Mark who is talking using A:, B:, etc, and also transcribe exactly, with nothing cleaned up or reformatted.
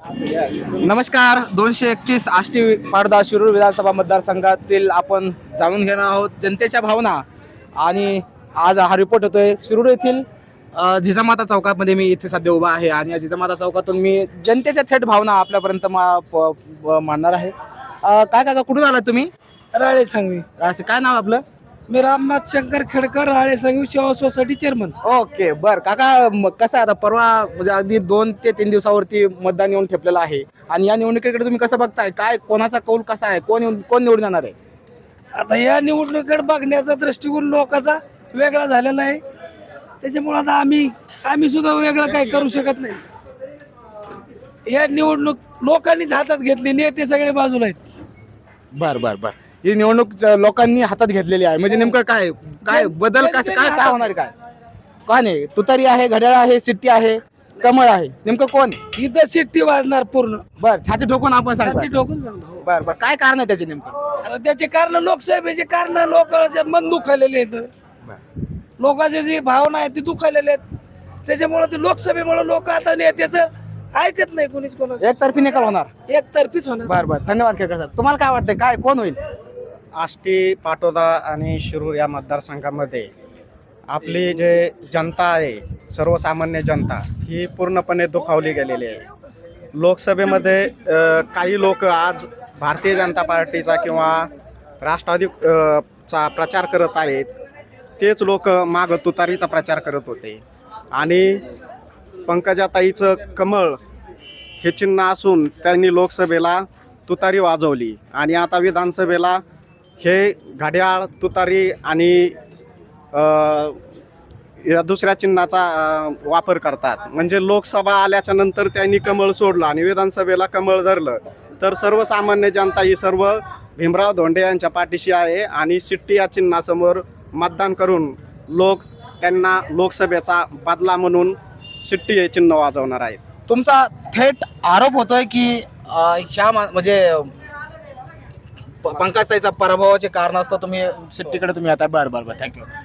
A: नमस्कार. दोनशे एकतीस आष्टी पाडदा शिरूर विधानसभा मतदारसंघातील आपण जाणून घेणार आहोत जनतेच्या भावना. आणि आज हा रिपोर्ट होतोय शिरूर येथील अ, जिजामाता चौकामध्ये. मी इथे सध्या उभा आहे आणि या जिजामाता चौकातून मी जनतेच्या थेट भावना आपल्यापर्यंत मा- प- प- मांडणार आहे. अ, काय काका, कुठून आलात तुम्ही?
B: राळे सांगवी.
A: असं काय नाव आपलं?
B: मी रामनाथ शंकर खेडकर, राळे सांगवी सेवा सोसायटी चेअरमन.
A: ओके, बर काका. म- कसं आहे आता, परवा म्हणजे अगदी दोन ते तीन दिवसावरती मतदान येऊन ठेपलेलं आहे आणि या निवडणुकीकडे तुम्ही कसं बघताय? काय, कोणाचा कौल कसा आहे? कोण येऊन- कोण निवडून येणार आहे?
B: आता या निवडणुकीकडे बघण्याचा दृष्टिकोन लोकांचा वेगळा झालेला आहे. त्याच्यामुळे आता आम्ही आम्ही सुद्धा वेगळं काही करू शकत नाही. या निवडणूक लोकांनीच हातात घेतली, नेते सगळे बाजूला आहेत.
A: बर बर बर ही निवडणूक ज- लोकांनी हातात घेतलेली आहे. म्हणजे नेमकं काय काय बदल कसं काय काय होणार आहे? काय काय नाही, तुतारी आहे, घड्याळ आहे, सिट्टी आहे, कमळ आहे, नेमकं कोण?
B: इथं शिट्टी वाजणार पूर्ण.
A: बर, छाती ठोकून आपण
B: छाती
A: सांगतो.
B: ठोकून सांगतो.
A: बर बर काय कारण आहे त्याचे नेमकं?
B: आता त्याचे कारण लोकसभेचे कारण लोकांचे मन दुखावलेले आहेत. लोकांचे जे भावना आहेत ते दुखावलेले आहेत. त्याच्यामुळे ते लोकसभेमुळे लोक आता नेत्याचं ऐकत नाही कोणीच कोणाचं.
A: एकतर्फी निकाल होणार.
B: एकतर्फीच होणार.
A: बर बर धन्यवाद खेळकर साहेब. तुम्हाला काय वाटतंय, काय कोण होईल?
C: आष्टी, पाटोदा आणि शिरूर या मतदारसंघामध्ये आपली जे जनता आहे, सर्वसामान्य जनता, ही पूर्णपणे दुखावली गेलेली आहे. लोकसभेमध्ये अ, काही लोक आज भारतीय जनता पार्टीचा किंवा राष्ट्रवादी अ, चा प्रचार करत आहेत. तेच लोक माग तुतारीचा प्रचार करत होते आणि पंकजाताईचं कमळ हे चिन्ह असून त्यांनी लोकसभेला तुतारी वाजवली आणि आता विधानसभेला हे घड्याळ, तुतारी आणि अ, या दुसऱ्या चिन्हाचा अ, वापर करतात. म्हणजे लोकसभा आल्याच्या नंतर त्यांनी कमळ सोडलं आणि विधानसभेला कमळ धरलं. तर सर्वसामान्य जनता ही सर्व भीमराव धोंडे यांच्या पाठीशी आहे आणि शिट्टी या चिन्हासमोर मतदान करून लोक त्यांना लोकसभेचा बदला म्हणून शिट्टी हे चिन्ह वाजवणार आहेत.
A: तुमचा थेट आरोप होतोय की अ, ह्या मा- म्हणजे प- पंकजताईचा पराभवाचे कारण असतं तुम्ही सिट्टीकडे तुम्ही आता. बरं बरं बरं थँक्यू.